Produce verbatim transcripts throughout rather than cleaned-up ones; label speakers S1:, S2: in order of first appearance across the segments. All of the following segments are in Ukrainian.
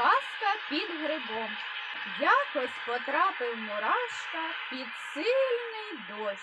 S1: Казка під грибом. Якось потрапив Мурашка під сильний дощ.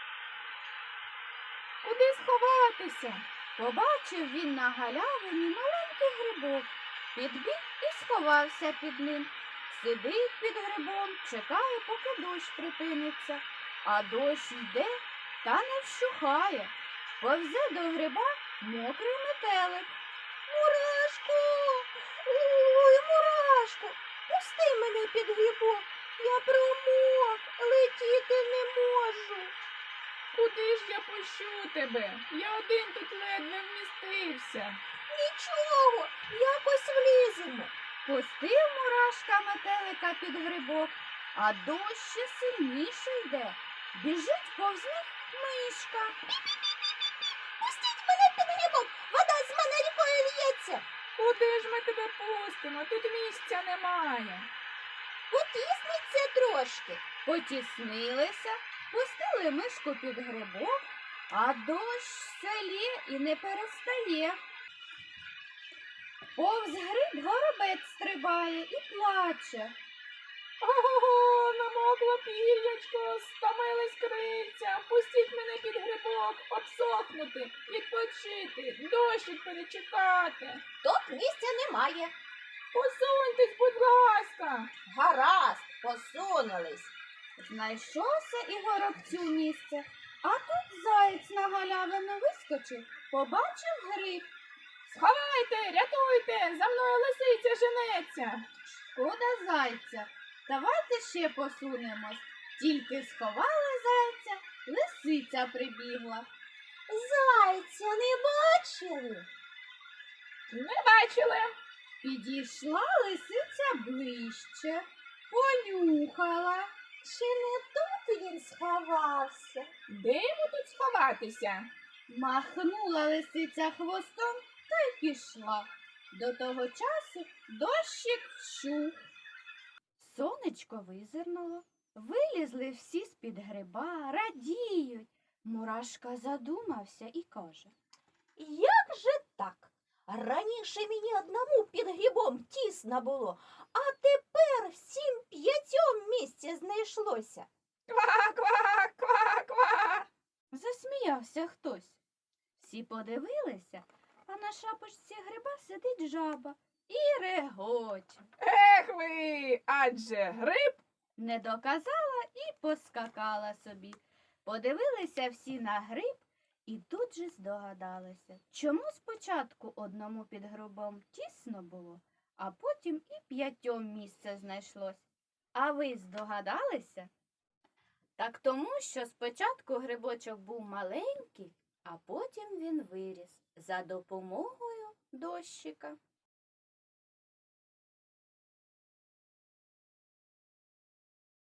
S1: Куди сховатися? Побачив він на галявині маленький грибок. Підбіг і сховався під ним. Сидить під грибом, чекає, поки дощ припиниться. А дощ йде та не вщухає. Повзе до гриба мокрий метелик.
S2: Мурашко, ой, Мурашко, пусти мене під грибок, я промок, летіти не можу.
S3: Куди ж я пущу тебе? Я один тут ледве вмістився.
S2: Нічого, якось вліземо.
S1: Пустив Мурашка метелика під грибок, а дощ ще сильніше йде. Біжить повз них мишка.
S2: Пустіть мене під грибок, вода з мене рікою лється.
S3: Куди ж ми тебе пустимо? Тут місця немає.
S2: Потісниться трошки.
S1: Потіснилися, пустили мишку під грибок, а дощ все лє і не перестає. Повз гриб горобець стрибає і плаче.
S3: Ого, намокло пір'ячко, стомились крильця. Пустіть мене під грибок, обсохнути, відпочити, дощик перечекати.
S2: Тут місця немає.
S3: Посуньтесь, будь ласка.
S2: Гаразд, посунулись.
S1: Знайшовся і горобцю місце, а тут заєць на галявину вискочив, побачив гриб.
S3: Сховайте, рятуйте, за мною лисиця женеться.
S1: Шкода зайця, давайте ще посунемось. Тільки сховали зайця, лисиця прибігла.
S2: Зайця не бачили?
S3: Не бачили.
S1: Підійшла лисиця ближче, понюхала.
S2: Чи не тут він сховався?
S3: Де йому тут сховатися?
S1: Махнула лисиця хвостом та й пішла. До того часу дощик вщух. Сонечко визирнуло, вилізли всі з-під гриба, радіють. Мурашка задумався і каже:
S2: Як же так? Раніше мені одному під грибом тісно було, а тепер всім п'ятьом місця знайшлося.
S3: Ква, ква, ква, ква.
S1: Засміявся хтось. Всі подивилися, а на шапочці гриба сидить жаба і регоче.
S3: Ех ви, адже гриб.
S1: Не доказала і поскакала собі. Подивилися всі на гриб і тут же здогадалися, чому спочатку одному під грибом тісно було, а потім і п'ятьом місце знайшлось. А ви здогадалися? Так тому, що спочатку грибочок був маленький, а потім він виріс за допомогою дощика.